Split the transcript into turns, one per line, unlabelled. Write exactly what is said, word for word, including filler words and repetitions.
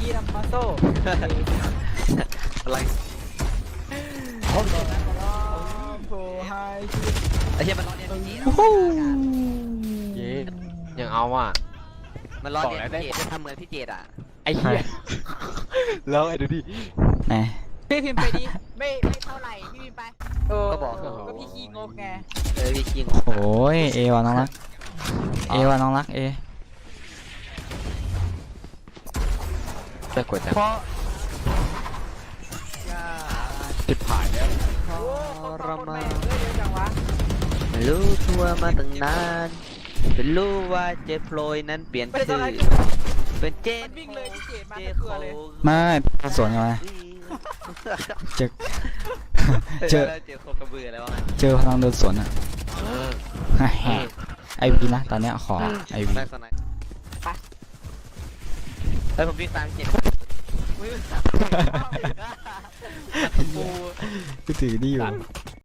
นัมมาโซ่
อะไร
โอ้โหโอ้ไฮชี
ไอ้เหี้ยมันร้อนเนี่ยพี่
โอ้โห
เย้ยังเอาอ่ะ
มันร้อนเนี่ย
บอกแล้วได้
พี่เจดจะทำเหมือนพี่เจดอ่ะ
ไอ้เหี้ยแล้วไอ้ดูดิ
ไหน
พี่พิมพ์ไปดิไม่ไม่เท่าไหร่พี่พิมพ์ไปเออ
ก็บอก
ก็พี่ขี้งกไง
เออพี่คิง
โอ้ยเอวะน้องรักเอวะน้องรักเอ
จะกดจัง
เพราะ
จิบผ่านแล้ว
โอ้คนฟังคนแม่งเยอะจังวะ
ไม่รู้ทั่วมาตั้งนานเป็นรู้ว่าเจโปรยนั้นเปลี่ยน
ไม่
ชื่
ต้อง
อ
ให้
เป็นเจ
มันวิ่งเลยพี่เจดมา
เจ
ตะ
โค
เกือเลย
ไม่สวนกันมาเจอ เจ
เจ
อ
อเจอโคกระเบืออะไรวะ
เจอพลังเดินสวนอ่ะไอวีนะตอนเนี้ยขอไอวี
ได้สนายไปเฮ้ยผมวิ่งตามเจ็ดปู
ก็ถือนี่อยู่
ตัด